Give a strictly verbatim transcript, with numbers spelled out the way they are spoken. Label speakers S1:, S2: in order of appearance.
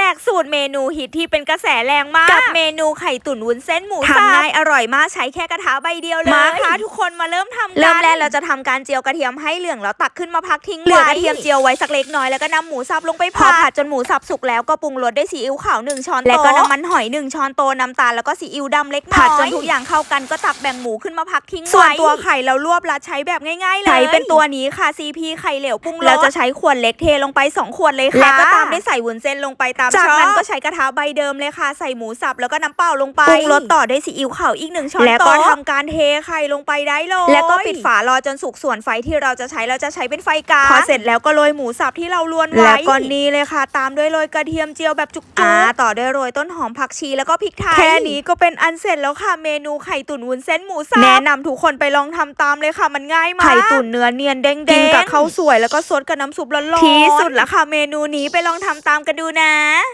S1: กสูตรเมนูฮิตที่เป็นกระแสแรงมากกับเมนูไข่ตุ๋นวุ้นเส้นหมูสับทำง่ายอร่อยมากใช้แค่กระทะใบเดียวเลยมาค่ะทุกคนมาเริ่มทำกันเริ่มแรกเราจะทำการเจียวกระเทียมให้เหลืองแล้วตักขึ้นมาพักทิ้งไว้เหลือกระเทียมเจียวไว้สักเล็กน้อยแล้วก็นำหมูสับลงไปผัดผัดจนหมูสับสุกแล้วก็ปรุงรสด้วยซีอิ๊วขาวหนึ่งช้อนโต๊ะแล้วก็น้ำมันหอยหนึ่งช้อนโต๊ะน้ำตาลแล้วก็ซีอิ๊วดำเล็กน้อยผัดจนทุกอย่างเข้ากันก็ตักแบ่งหมูขึ้นมาพักทิ้งไว้ส่วนตัวไข่เราลวกรัดใช้แบบง่ายๆเลยใช้เป็นตัวนี้ค่ะ ซี พี ไข่เหลวปรุงรสเราจะใช้ขวดเล็กเทลงไปสองขวดเลยค่ะแล้วก็ตามด้วยใส่วุ้นเส้นลงไปตามจากนั้นก็ใช้กระทะใบเดิมเลยค่ะใส่หมูสับแล้วก็น้ำเปล่าลงไปปรุงรสต่อด้วยซีอิ๊วขาวอีกหนึ่งช้อนโต๊ะแล้วก็ทำการเทไข่ลงไปได้เลยแล้วก็ปิดฝารอจนสุกส่วนไฟที่เราจะใช้เราจะใช้เป็นไฟกลางพอเสร็จแล้วก็โรยหมูสับที่เราลวนไว้แล้วก็นี่เลยค่ะตามด้วยโรยกระเทียมเจียวแบบจุกๆอ่าต่อด้วยโรยต้นหอมผักชีแล้วก็พริกไทยแค่นี้ก็เป็นอันเสร็จแล้วค่ะเมนูไข่ตุ๋นวุ้นเส้นหมูสับแนะนำทุกคนไปลองทำตามเลยค่ะมันง่ายมากไข่ตุ๋นเนื้อเนียนเด้งๆกินกับข้าวสวยแล้วก็ซดกับน้ำซุปร้อนๆที่สุดละค่ะเมนูนี้ไปลองทำตามกันดูนะ